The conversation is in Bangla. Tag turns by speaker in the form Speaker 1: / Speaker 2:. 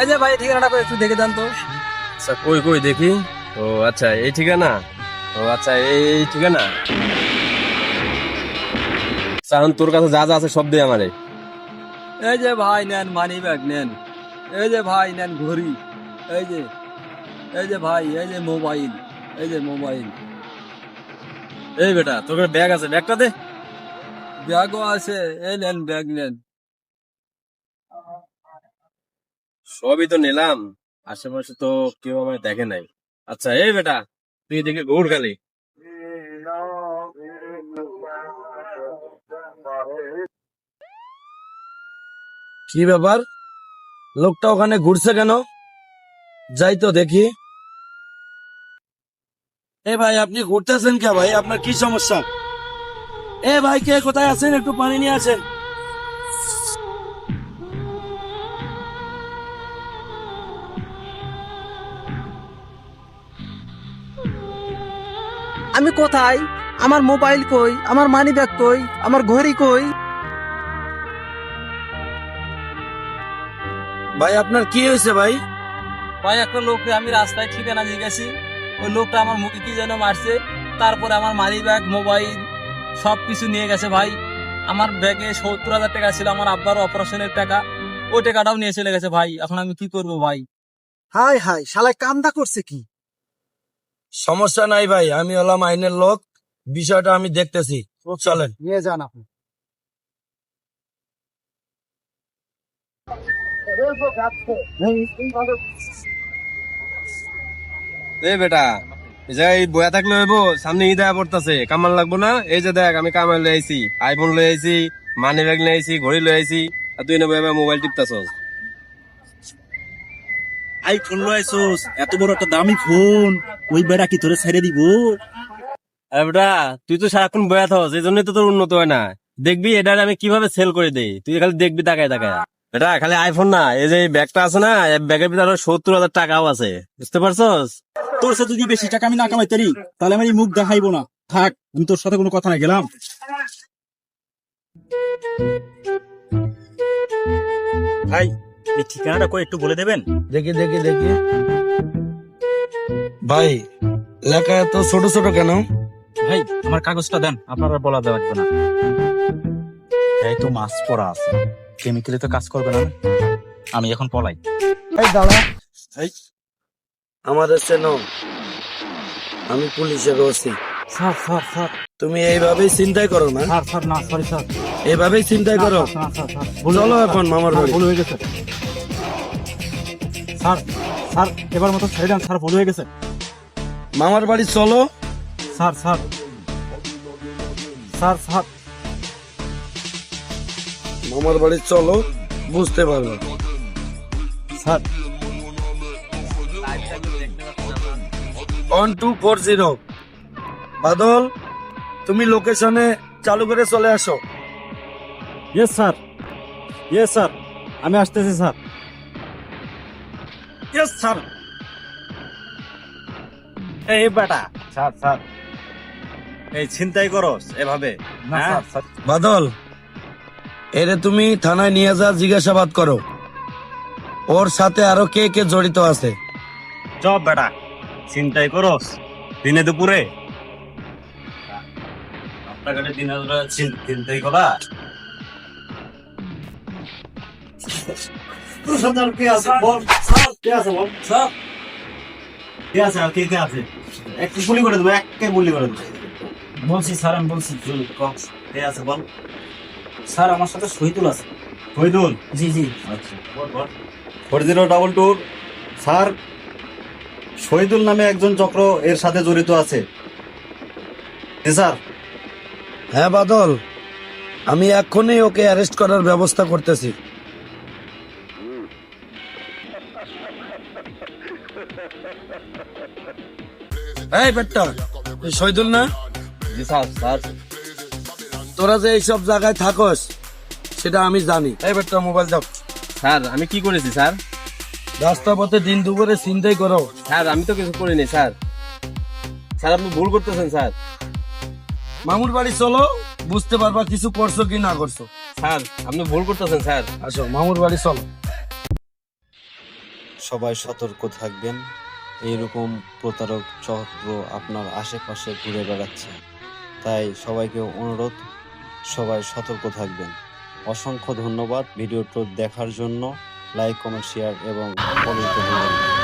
Speaker 1: এই যে ভাই ঠিকানাটা একটু দেখে দেন তো।
Speaker 2: আচ্ছা কই কই দেখি। ও আচ্ছা এই ঠিকানা। ও আচ্ছা এই ঠিকানা। এখন তোর কাছে যা যা আছে সব দে আমারে।
Speaker 1: এই যে ভাই নেন মানি ব্যাগ নেন, এই যে ভাই নেন ঘড়ি, এই যে এই যে ভাই এই যে মোবাইল, এই যে মোবাইল,
Speaker 2: এই বেটা তোর কাছে ব্যাগ আছে, ব্যাগটা দে।
Speaker 1: ব্যাগও আছে, এই নেন ব্যাগ নেন।
Speaker 2: সবই তো নিলাম, আশেপাশে তো কেউ আমায় দেখে নাই। আচ্ছা এই বেটা তুই দেখে ঘুর খালি।
Speaker 3: কি ব্যাপার, লোকটা ওখানে ঘুরছে কেন? যাই তো দেখি। এ ভাই আপনি ঘুরতেছেন কে ভাই, আপনার কি সমস্যা? এ ভাই কে কোথায় আছেন, একটু পানি নিয়ে আসেন।
Speaker 4: আমি কোথায়? আমার মোবাইল কই, আমার মানি ব্যাগ কই, আমার ঘড়ি কই?
Speaker 3: ভাই আপনার কি হয়েছে ভাই?
Speaker 1: ভাই একটা লোককে আমি রাস্তায় ঠিকানা জিজ্ঞাসি, ওই লোকটা আমার মুখে কি যেন মারছে, তারপরে আমার মানি ব্যাগ মোবাইল সবকিছু নিয়ে গেছে ভাই। আমার ব্যাগে 70,000 টাকা ছিল আমার আব্বার অপারেশনের টাকা, ওই টাকাটাও নিয়ে চলে গেছে ভাই। এখন আমি কি করব ভাই?
Speaker 4: হাই হাই, শালায় কামটা করছে কি?
Speaker 3: সমস্যা নাই ভাই, আমি হলাম আইনের লোক, বিষয়টা আমি দেখতেছি, চলেন।
Speaker 4: নিয়ে যান আপনি।
Speaker 2: এই বেটা এই যে এই বয়া থাকলে হইব, সামনে ঈদ আয়া পড়তাছে, কামাল লাগবো না? এই যে দেখ আমি কামাল লই আইছি, আইফোন লই আইছি, মানি ব্যাগ লই আইছি, ঘড়ি লই আইছি, আর তুই না বয়া মোবাইল টিপতাছস।
Speaker 5: আইফোন লইছস, এত বড় একটা দামি ফোন, ওই বেড়া কি তোরে ছেড়ে দিব?
Speaker 2: আরে বেটা তুই তো সারাক্ষণ বয়া থাকস, এই জন্যই তো তোর উন্নত হয় না। দেখবি এটা আমি কিভাবে সেল করে দেই, তুই খালি দেখবি তাকায় তাকায়। বেটা খালি আইফোন না, এই যে ব্যাগটা আছে না, এই ব্যাগের ভিতরে আরো 70,000 টাকাও আছে, বুঝতে পারছস?
Speaker 5: তোর সাথে যদি বেশি টাকা আমি না কামাই তারি, তাহলে আমার এই মুখ দেখাইবো না। থাক, আমি তোর সাথে কোনো কথা না, গেলাম। ভাই এই ঠিকানাটা কই একটু বলে দেবেন?
Speaker 3: দেখি দেখি দেখি। ভাই লেখা এত ছোট ছোট কেন?
Speaker 5: ভাই আমার কাগজটা দেন, আপনারা বলা দেওয়া লাগবে না। এই তো মাছ পড়া আছে, কেমিক্যালে তো কাজ করবে না। আমি এখন পলাই।
Speaker 4: এই দাঁড়া।
Speaker 3: আমাদের চেনো, আমি পুলিশের ওসি।
Speaker 5: স্যার স্যার স্যার
Speaker 3: তুমি এইভাবেই চিন্তাই করো না?
Speaker 5: স্যার স্যার না, সরি স্যার।
Speaker 3: এইভাবেই চিন্তাই করো।
Speaker 5: স্যার স্যার
Speaker 3: চলো এখন মামার বাড়ি।
Speaker 5: ভুল হয়ে গেছে স্যার। স্যার এবার মতো ছেড়ে দেন স্যার, ভুল হয়ে গেছে
Speaker 3: মামার বাড়ি চলো।
Speaker 5: স্যার। স্যার স্যার স্যার
Speaker 3: মামার বাড়ি চলো, বুঝতে পারবে।
Speaker 5: স্যার
Speaker 3: 1240 বাদল, তুমি লোকেশনে চালু করে চলে আসো।
Speaker 5: ইয়েস স্যার, ইয়েস স্যার, আমি আসতেছি স্যার। Yes sir. এই বেটা, স্যার স্যার এই ছিনতাই করস এভাবে না? স্যার
Speaker 3: বাদল, এরে তুমি থানায় নিয়ে যা, জিজ্ঞাসাবাদ করো, ওর সাথে আরো কে কে জড়িত আছে।
Speaker 5: চপ বেটা, ছিনতাই করস দিনে দুপুরে? রাস্তাঘাটে দিনে দুপুরে ছিনতাই করা? কে আছে বল স্যার, কে আছে বল স্যার, কে আছে আর কে কে আছে? একটু গুলি করে দেবো, একে গুলি করে দেবো। বলছি স্যার, আমি বলছি। কে আছে বল
Speaker 4: স্যার আমার সাথে শহীদুল আছে।
Speaker 5: শহীদুল?
Speaker 4: জি জি।
Speaker 5: আচ্ছা 4022 স্যার, শহীদুল নামে একজন চক্র এর সাথে জড়িত আছে। জি স্যার।
Speaker 3: হ্যাঁ বাদল, আমি এক্ষুনি ওকে অ্যারেস্ট করার ব্যবস্থা করতেছি। এই বেটা, তুই শহীদুল না?
Speaker 2: জি স্যার। স্যার
Speaker 3: তোরা যে এইসব জায়গায় থাকস সেটা আমি জানি। এই বেটা মোবাইল দাও।
Speaker 2: স্যার আমি কি করেছি স্যার?
Speaker 3: রাস্তা পথে দিন দুপুরে চিন্তাই করো।
Speaker 2: স্যার আমি তো কিছু করিনি স্যার। স্যার আপনি ভুল করতেছেন স্যার।
Speaker 3: মামুর বাড়ি চলো, বুঝতে পারবা কিছু করছো কি না করছো।
Speaker 2: স্যার আপনি ভুল করতেছেন স্যার।
Speaker 3: আসো মামুর বাড়ি চলো।
Speaker 6: সবাই সতর্ক থাকবেন, এইরকম প্রতারক চক্র আপনার আশেপাশে ঘুরে বেড়াচ্ছে। তাই সবাইকে অনুরোধ, সবাই সতর্ক থাকবেন। অসংখ্য ধন্যবাদ ভিডিওটি দেখার জন্য। লাইক, কমেন্ট, শেয়ার এবং ফলো করতে ভুলবেন না।